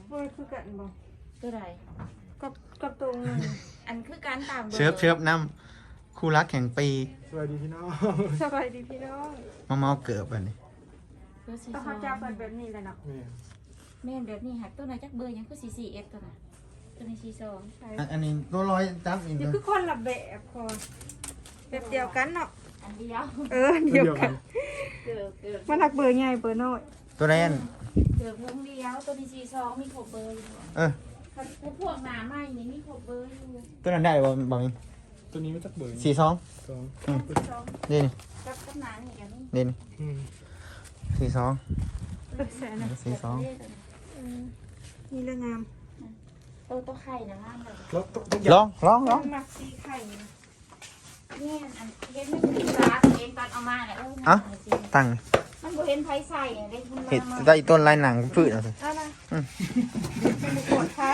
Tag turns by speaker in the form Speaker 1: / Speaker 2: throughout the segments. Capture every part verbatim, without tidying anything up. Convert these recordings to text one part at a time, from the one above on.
Speaker 1: ว่าคือกันบ่
Speaker 2: ตัวใด
Speaker 1: กับกับตรง
Speaker 2: อันคือการตาม
Speaker 3: เชิบเชิบน้ำคู่รักแห่งปี
Speaker 4: สวัสดีพี่น้อง
Speaker 1: สบายดีพี่น้อง
Speaker 3: มาเมาเกิดอันนี้
Speaker 1: ต้องเขาจะเป็นแบบนี้เลยเนาะ
Speaker 2: แม่แบบนี้หักตัวไหนจักเบอร์ยังคือสี่สี่เอฟตัวน่ะตัวนี้สี่สอง
Speaker 3: อันนี้ตัวร้อยจับอีก
Speaker 1: นี่คือคนละแบบพอแบบเดียวกันเนาะ
Speaker 2: อันเดียว
Speaker 1: เออเดียวกันมันหักเบอร์ใหญ่เบอร์น้อย
Speaker 3: ตัวแรน
Speaker 2: เกือบวงเดียวตัวนี้สี่สองมีครบเบอร์อยู่
Speaker 3: เออ
Speaker 2: พวกหนาใหม่นี่มีครบเบอร์อยู่
Speaker 3: ตัวนั้นได้บ่บ่มี
Speaker 4: ตัวนี้ไม่จักเบอร์
Speaker 3: สี่สอง
Speaker 4: สอง
Speaker 3: นี่นี่
Speaker 2: กับกับหนานี่กัน
Speaker 3: นี่นี่สี่สองสี่สอง
Speaker 1: นี่เรื่องงาม
Speaker 2: ตัวตัวไข่นะงามเลย
Speaker 3: ลองลองลอง
Speaker 1: หมักสีไข่
Speaker 2: นี่อันเห็นไม่ถึงร้านเองตอนเอามาเนี่ย
Speaker 3: เอ้าตั้ง
Speaker 2: มันบ่เห็นไผใส่ได้คุณ
Speaker 3: เห็ดได้ต้นลายหนังพืชเอาสิ
Speaker 1: เอาละ
Speaker 3: อืม
Speaker 1: ปวดขา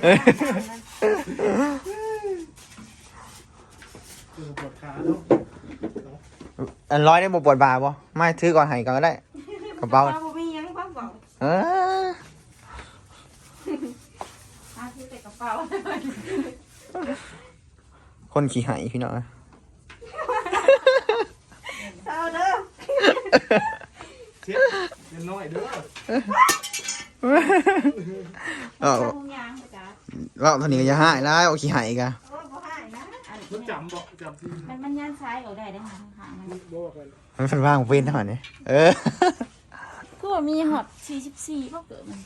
Speaker 4: ปวดขาเนาะ
Speaker 3: อันร้อยได้บ่ปวดบ่าบ่ไม่ถือก่อนให้ก่อนก็ได้กระเป๋า
Speaker 1: บ่มียังบ่บอก
Speaker 3: เออ
Speaker 2: มาถือแต่กระเป๋า
Speaker 3: คนขี้ไหายพี่น้อง
Speaker 1: เอาเด้อ
Speaker 4: เช็ดเย็นน้อยเด้อ
Speaker 3: เออว่าตอนนี้ก็จะหายแล้วขี้ไหายกัน
Speaker 4: มันจำบอกจำที่
Speaker 2: มันมันย่านซ้ายเอาได้ได้หาข้างๆมัน
Speaker 4: บอกกัน
Speaker 3: มันเป็นว่างเป็นเท่านี้เออ
Speaker 2: คือว่ามีฮอตสี่สิบสี่บ่เกิดมัน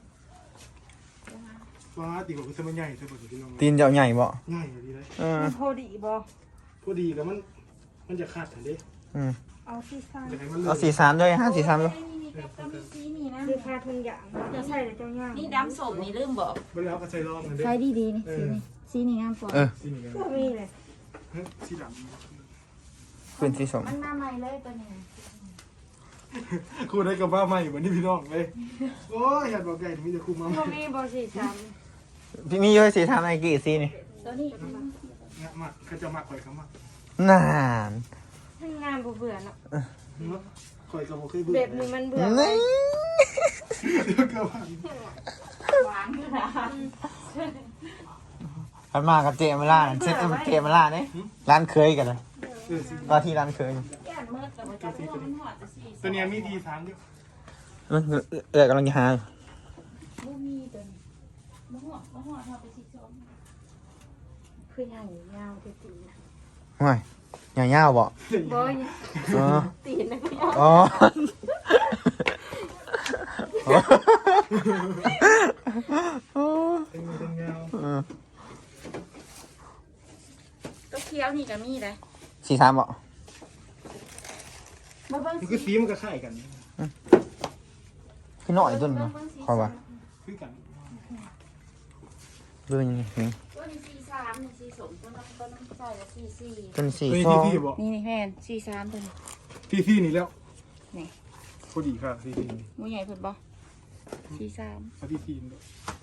Speaker 4: ฟ้าตีกว่าคือมันใหญ่ใช่ป่ะพี่น้อง
Speaker 3: ตีนเจ้าใหญ่บ่
Speaker 4: ใหญ่ดีเลย
Speaker 3: เออ
Speaker 1: พอดีบ่
Speaker 4: พอดีแล้วมันมันจะขาดทันที
Speaker 3: อืม
Speaker 1: เอาสี่สาม
Speaker 3: เอาสี่สามด้วยห้าสี่สามด้วย
Speaker 1: คือคาทุนอย่างจะใช่เลยเจ้าย่าง
Speaker 2: นี่ดำสมนี่ลืมบอก
Speaker 4: เวลาก็ใช้รอบกันด้
Speaker 2: ใช้ดีๆนี่สีนี่สีนี่งามกว่า
Speaker 3: เออ
Speaker 1: ก็มีเลย
Speaker 4: สีด
Speaker 3: ำเป็นสีสม
Speaker 2: มันมาใหม่เลยตัวนี้
Speaker 4: ครูได้กับว่าใหม่เหมือนที่พี่น้องเลยโอ้ยอยากบอกไก่ถึงจะคุมมา
Speaker 1: ก็มีบ่สี่สาม
Speaker 3: พี่มีเยอะสีทำอะไรกี่สีนี่
Speaker 2: ตัวนี้
Speaker 4: เงี้ยมากเขาจะมากข่อยเขามาก
Speaker 3: นาน
Speaker 1: ทำงานเบื่อเนาะ
Speaker 4: ข่อยกับโมเคยเบื่อ
Speaker 1: แบบนี้มันเบื่อ
Speaker 3: นี่
Speaker 4: เดี๋ยวเกิดว่า
Speaker 2: หวานขนาด
Speaker 3: พันมากับเจมาล่าเซ็ตเจมาล่าเนี่ยร้านเคยกันเลยว่าที่ร้านเคย
Speaker 4: ตัวนี้มีดีทางเดียว
Speaker 3: มันเออกำลังจะหา
Speaker 2: บ่มีตัวนี้บ่หัวบ่หัวทำไปสิสองคือใหญ่ยาวตีตีนะ
Speaker 3: ห่วยใหญ่ยาวบ่
Speaker 1: บ่
Speaker 3: อ๋อ
Speaker 1: ตีนนะ
Speaker 3: อ๋อ
Speaker 4: เป็นเป็นเงา
Speaker 2: ตัวเขียวนี่ก็มีเลย
Speaker 3: สี่สามบ่
Speaker 4: มันคือสีมันก็คล้ายกัน
Speaker 3: คือหน่อยต้นนะคอยว่า
Speaker 4: คือกัน
Speaker 3: เรื่องยังไงนี่
Speaker 2: ตัวนี้สี่สามนี่สี่สมตัวนั้นตัวนั้นใส่ละสี่สี่
Speaker 3: ต้นสี่
Speaker 4: สอง
Speaker 2: นี่นี่แม่สี่สามตัวนี้
Speaker 4: ที่ที่นี่แล้ว
Speaker 2: นี่
Speaker 4: พอดีค่ะที่ที่นี่
Speaker 2: มูใหญ่เพิ่นบ่สี่สาม
Speaker 4: ที่ที่นี่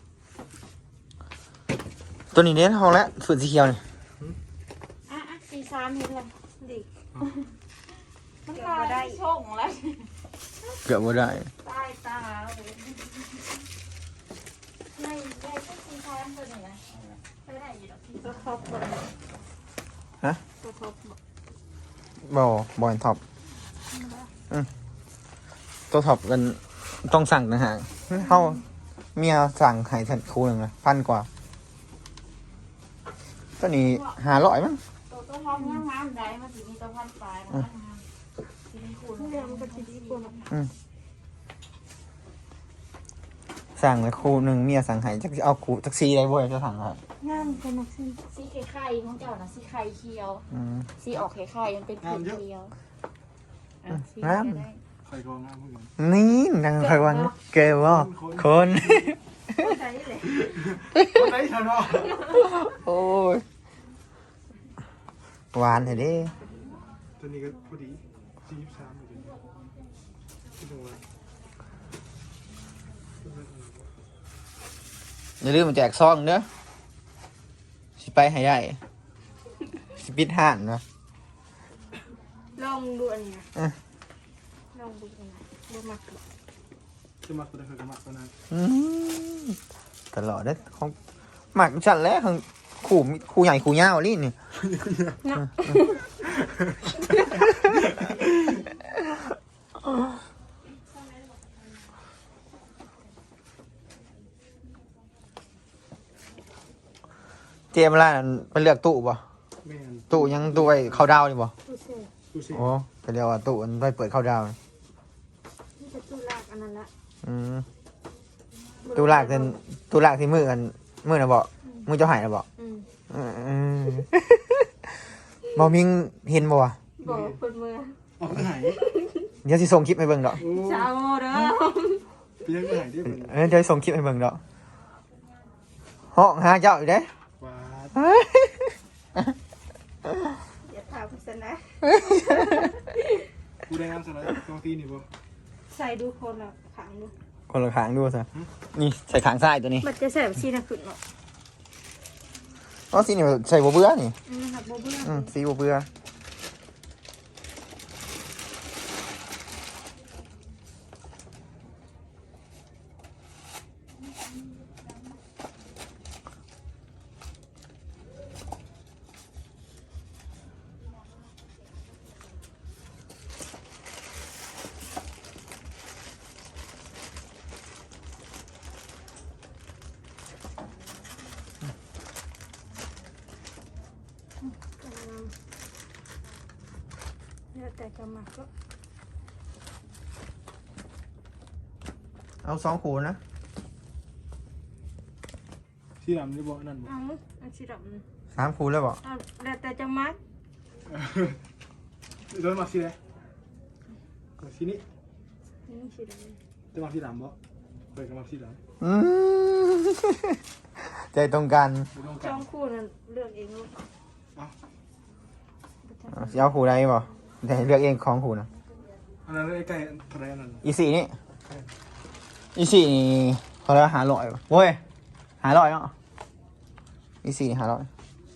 Speaker 3: ตัวนี้เน้นห้องแล้วฝืนสีเขียวนี่
Speaker 2: อ่ะอ่ะสี่สามเห็นเลยดิมันมาได้ช่องแล้ว
Speaker 3: เกือบว่าได้
Speaker 2: ตายตาเลยไม่ได้ก็สี่สามตัวนี้นะไม่ได้อยู่ดอกที่ตัวท็อปตัว
Speaker 3: ฮะ
Speaker 2: ตัวท็อป
Speaker 3: บ่บอลท็อปอืมตัวท็อปกันต้องสั่งนะฮะเขาเมียสั่งไข่ฉันคู่หนึ่งนะพันกว่าตัวนี้หาร้อยมั้ง
Speaker 2: ตัวตัวท็อปงามๆได้มาถึงมีตัวพันปลายนะ
Speaker 3: สั่งเลยคู่หนึ่งเมียสั่งให้จะเอาคู่แท็กซี่ได้บ่อยจะสั่งครับ
Speaker 1: งามเป็นนักซี
Speaker 2: สีไข่ของเจ้านะสีไข่เขียวสีออกไข่ไข่มันเป็นเขียว
Speaker 3: งาม
Speaker 4: ไข่กองงามเหมือนกัน
Speaker 3: นี่นางไข่วันเกวะคน
Speaker 1: ใช่เลย
Speaker 4: คนไหนฉันอ่ะ
Speaker 3: โอ้ยหวานเหรอเด้
Speaker 4: ตัวนี้ก็พอดีสี่สิบสามเลยที่ตรงนั้น
Speaker 3: อย่าลืมมาแจกซองเด้อสิไปให้ได้สิปิดห่านนะ
Speaker 1: ลองดูอันนี้นะลองดูอันนี้ดูมาก
Speaker 4: จะมาตัวใดเคยกับมาตัวนั้น
Speaker 3: อืมตลอดเด้อของหมักฉันแล้วของขู่ขู่ใหญ่ขู่ยาวลี่นี่ เจมส์ล่ะมันเลือกตู้ป่ะ
Speaker 4: แม่น
Speaker 3: ตู้ยังตู้ไว้เข้าดาวนี่ป่ะ
Speaker 2: ตู้เซฟ
Speaker 4: ดูสิ
Speaker 3: โอ้ก็เรียกว่าตู้มันไว้เปิดเข้าดาว
Speaker 2: นี่จะตู้ลากอันนั้นละ
Speaker 3: อืมตู้ลากเป็นตู้ลากที่มือกันมือนะบอกมือเจ้าหายนะบอก
Speaker 2: อืม
Speaker 3: อืมบอมิงเห็นบ่วะ
Speaker 2: บอกคนเมือง
Speaker 4: ออกหาย
Speaker 3: เดี๋ยวสิส่งคลิปให้เบิ่งดอก
Speaker 4: โอ้
Speaker 2: ชาวโมเด้อ
Speaker 4: เพียงหายได้เป็น
Speaker 3: เออเดี๋ยวส่งคลิปให้เบิ่งดอกห้องหาเจ้าอยู่เด้
Speaker 4: ว้า
Speaker 1: อย่าถามพิษนะ
Speaker 4: กูได้งานสไลด์ตรงที่นี่บ่
Speaker 1: ใส่ดูคนละขังดู
Speaker 3: คนละขางดูซะนี่ใส่ขางซ้ายตัวนี้
Speaker 1: มันจะใส่แบบชีนะขึ้นเนาะ
Speaker 3: อ๋อสีนี่ใส่บัวเบื่อนี่
Speaker 1: อืมครับโบเบื่อ
Speaker 3: อืมสีบัวเบื่อ
Speaker 1: อืมแล้วแต่จะมาก็
Speaker 3: เอาสองขูนะ
Speaker 4: ที่ดำนี่บ่นั่นบ่
Speaker 1: เอาอันสีดำนี่
Speaker 3: สามขูแล้วบอก
Speaker 1: เอาแล้วแต่จะมัก
Speaker 4: โดนมาสิเลยมาสินี่
Speaker 1: นี่สีดำ
Speaker 4: จะมาที่ดำบ่เคยกับมาที่ดำ
Speaker 3: อืมใจตรงกัน
Speaker 4: ไม่ต้อง
Speaker 1: จ
Speaker 4: กั
Speaker 1: อน งคู่นั่นเลือกเองลูก
Speaker 4: เอา
Speaker 3: เอาสิเอาขูใดบ่แต่เลือกเองของขูนะ
Speaker 4: อันนั้นใกล้ๆทะเลนั่น
Speaker 3: อีสี่นี่อีสี่นี่เขาเรียกว่าหาลอยป่ะโว้ยหาลอยเนาะอีสี่นี่หาลอย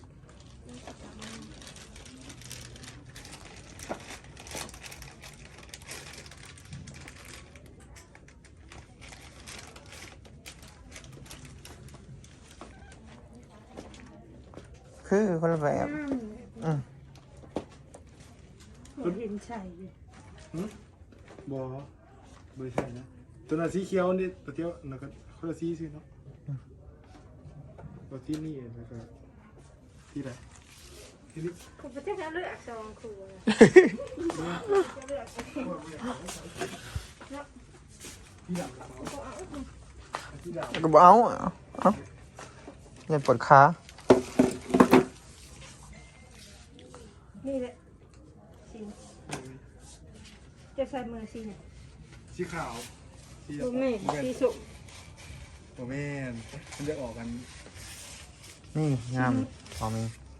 Speaker 3: คือคนละแบบ
Speaker 1: อืม
Speaker 3: อืม
Speaker 1: ผมเห็นใส่อยู่
Speaker 4: บ่บ่ใช่นะตัวนั้นสีเขียวนี่ตัวเดียวแล้วก็คนละสีสิเนาะตัวที่นี่แล้วก็ที่ไหนที่นี่
Speaker 1: คุณประเทศเลือกจองคู่เลยจะเลือกเอง
Speaker 4: ที่ดำที่ดำ
Speaker 3: ก็บอกเอาเอาอย่าปวดขา
Speaker 1: นี่แหละสีจะใส่มือสีเนี่ย
Speaker 4: สีขาวสี
Speaker 1: ลูกนี่สีสุก
Speaker 4: โอ้แม่นมันจะออกกัน
Speaker 3: นี่งามพอมี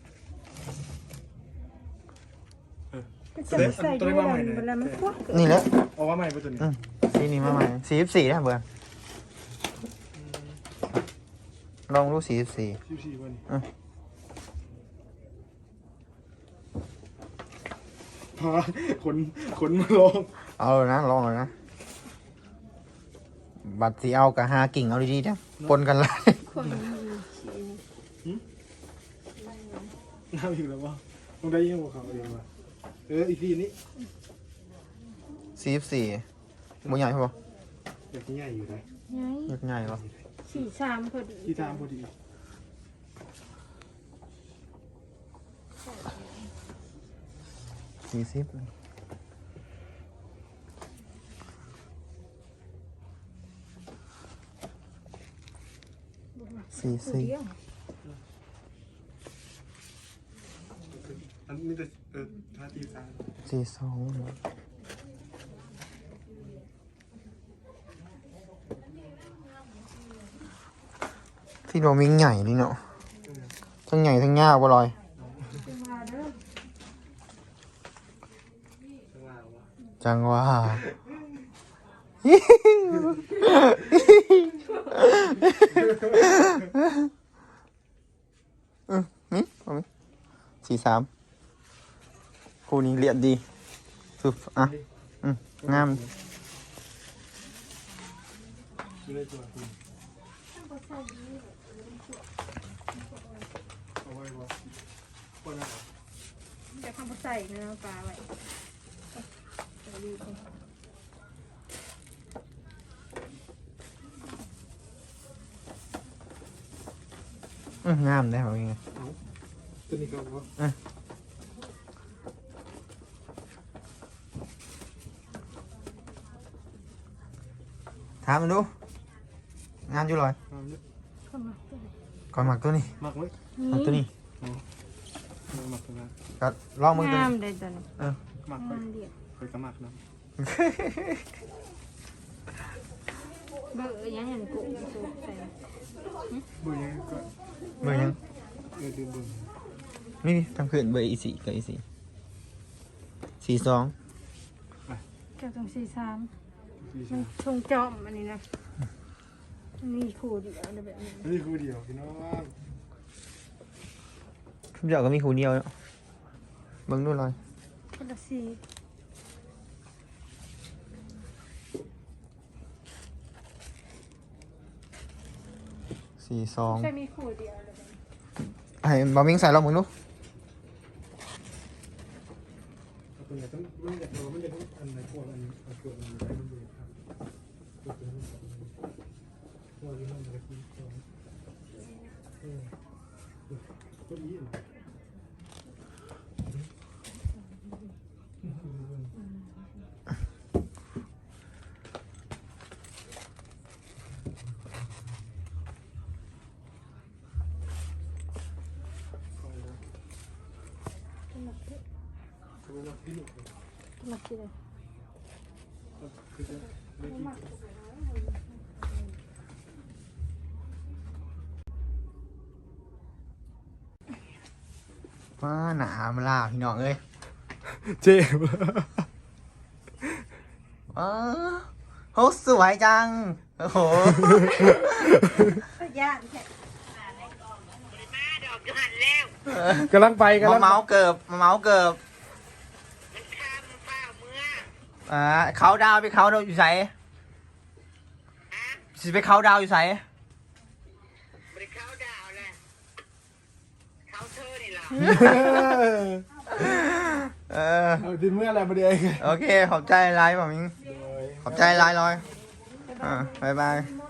Speaker 1: จะไม่ใส่ดูแล้วเวลามันควัก
Speaker 3: นี่แหละ
Speaker 4: ออกว่าใหม่ไปตัวนี้
Speaker 3: อืมสีนี้มาใหม่สี่สิบสี่นะเบื่อลองดูสี่สิบสี่
Speaker 4: ชิวชีวัน
Speaker 3: อืม
Speaker 4: พาขนขนมาลง
Speaker 3: เอาเลยนะลองเลยนะ บัตรสีเอากับหากิ่งเอาดีๆนะปนกันเลย
Speaker 1: คนมีสี
Speaker 4: น้ำอีกแล้วว่าต้องได้ยิ่งกว่าเขาเองว่ะเอออีกทีนี้
Speaker 3: สี่สิบสี่บุญใหญ่ปะ
Speaker 4: อยากที่ใหญ่อยู่เลย
Speaker 1: ไง
Speaker 3: ยกใหญ่ปะ
Speaker 1: สีสามพอดี
Speaker 4: ที่ตามพอดี
Speaker 3: สี่สิบสี่สิบ
Speaker 4: อันนี้จะเออท่าตีตาม
Speaker 3: สี่สองที่เรามีใหญ่นี่เนาะทั้งใหญ่ทั้งยาวบ่ลอย
Speaker 1: มาเด้อ
Speaker 4: ข้างล่างวะ
Speaker 3: จังว่าอืมนี่เอาไหมสี่สามคู่นี้เรียบดีสุดอ่ะอืมงาม
Speaker 4: จะได้ตัวคุณเอาไว้บ่คนนั้น
Speaker 1: จะทำใส่เนื้อปลาไว้ใส่ดีก่อน
Speaker 3: อื้องามได้เหรอยังไง
Speaker 4: ตัวนี้ก็บ่
Speaker 3: ถามมันดูงามอยู่เลย
Speaker 4: เอาเนี่ย
Speaker 1: เข้ามาตัวไหน
Speaker 3: ก่อนหมักตัวนี้
Speaker 4: มักไว้
Speaker 3: หมักตัวนี้
Speaker 4: มักมักตัวนั้น
Speaker 3: ก็ลองมึงตัว
Speaker 1: งาม
Speaker 3: นี้
Speaker 1: เลยตัวนี้
Speaker 3: เออ
Speaker 4: มักไป
Speaker 1: งามเดียว
Speaker 4: ไปก็มักนะ
Speaker 1: เบอร์ยังเห็นกุ้งสูใส่
Speaker 4: เบื่อยังก็
Speaker 3: เบอร์ยัง
Speaker 4: เออดืมเบื่อ
Speaker 3: นี่ทำเขื่อนเบอร์อีสี่กับอีสี่สี่สอง
Speaker 1: เจ้าต้องสี่สาม
Speaker 4: ดี
Speaker 1: มั
Speaker 4: ใช่
Speaker 1: นชงจอมอันนี้นะนี่คู่เดียวอะไรแบบนี้
Speaker 4: นี่คือเดียวพี่น้อง
Speaker 3: ทุกอย่างก็มีคูเดียวเนาะเบิ่งดูเลย
Speaker 1: คนละสี่
Speaker 3: สี่สอง
Speaker 1: ใช่มีคู่เดียวอะไรแบบนี้
Speaker 3: ไอ้บอมิงใส่ลองมึงดู
Speaker 4: ตัวไหนต้องมันอยากตัวมันอยากอันไหนพวกอันอันเกิดมันได้มันเลยครับตัวนี้มันตัวนี้มันจะกินตัวเออตัวนี้
Speaker 1: มาคิดเลย
Speaker 3: ว้าหนามาล่าพี่น้องเอ้ย
Speaker 4: เจ็บ
Speaker 3: ว้าโหสวยจังโอ้โห
Speaker 1: ย่านแค่
Speaker 4: กำลังไปกำ
Speaker 3: มา
Speaker 4: ลัง
Speaker 3: เมาส์เกิบมาเมาส์เกิบอ่าเขาดาวไปเขาดาวอยู่ไสสิไปเขาดาวอยู่ไส
Speaker 5: บริเขาดาวแหละเขาเธอนี่ล่ะ
Speaker 3: เออ
Speaker 4: เอาดินเมื่ออะไรมาเดียว
Speaker 3: โอเคขอบใจไลน์ผมมิงขอบใจไลน์ลอยอ่าบายบาย